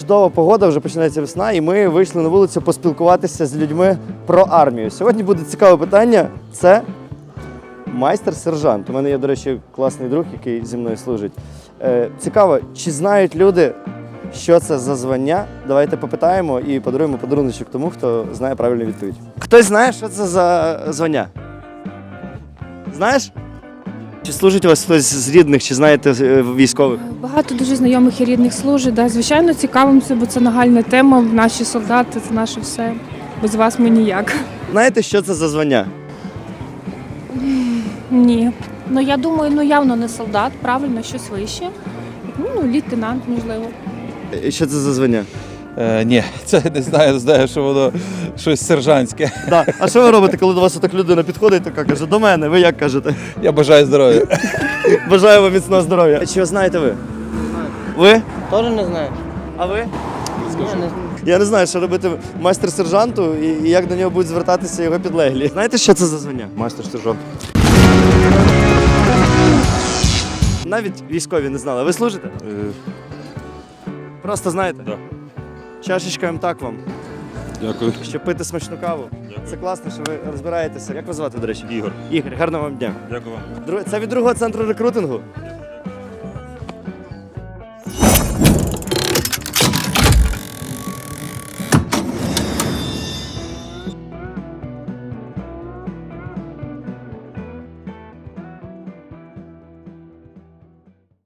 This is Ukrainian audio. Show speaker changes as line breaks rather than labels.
чудова погода, вже починається весна, і ми вийшли на вулицю поспілкуватися з людьми про армію. Сьогодні буде цікаве питання. Це майстер-сержант. У мене є, до речі, класний друг, який зі мною служить. Цікаво, чи знають люди, що це за звання? Давайте попитаємо і подаруємо подаруночок тому, хто знає правильну відповідь. Хтось знає, що це за звання? Знаєш? Чи служить у вас хтось з рідних, чи знаєте військових?
Багато дуже знайомих і рідних служить. Да. Звичайно, цікавимося, бо це нагальна тема. Наші солдати, це наше все. Без вас ми ніяк.
Знаєте, що це за звання?
Ні.
Ну, я думаю, явно не солдат, правильно, щось вище.
Ну, лейтенант, можливо.
Що це за звання?
Ні, це не знаю, що воно щось сержантське.
Да. А що ви робите, коли до вас отак людина підходить, така каже, до мене, ви як кажете?
Я бажаю здоров'я.
Бажаю вам міцного здоров'я. Чи знаєте ви? Ви?
Тоже не знаю.
А ви?
Не.
Я не знаю, що робити майстер-сержанту і як до нього будуть звертатися його підлеглі. Знаєте, що це за звання? Майстер-сержант. Навіть військові не знали. Ви служите? Просто знаєте?
Да.
Чашечка МТАК вам,
Дякую.
щоб пити смачну каву. Це класно, що ви розбираєтеся. Як вас звати, до речі?
Ігор.
Ігор, гарного вам дня.
Дякую вам.
Це від другого центру рекрутингу?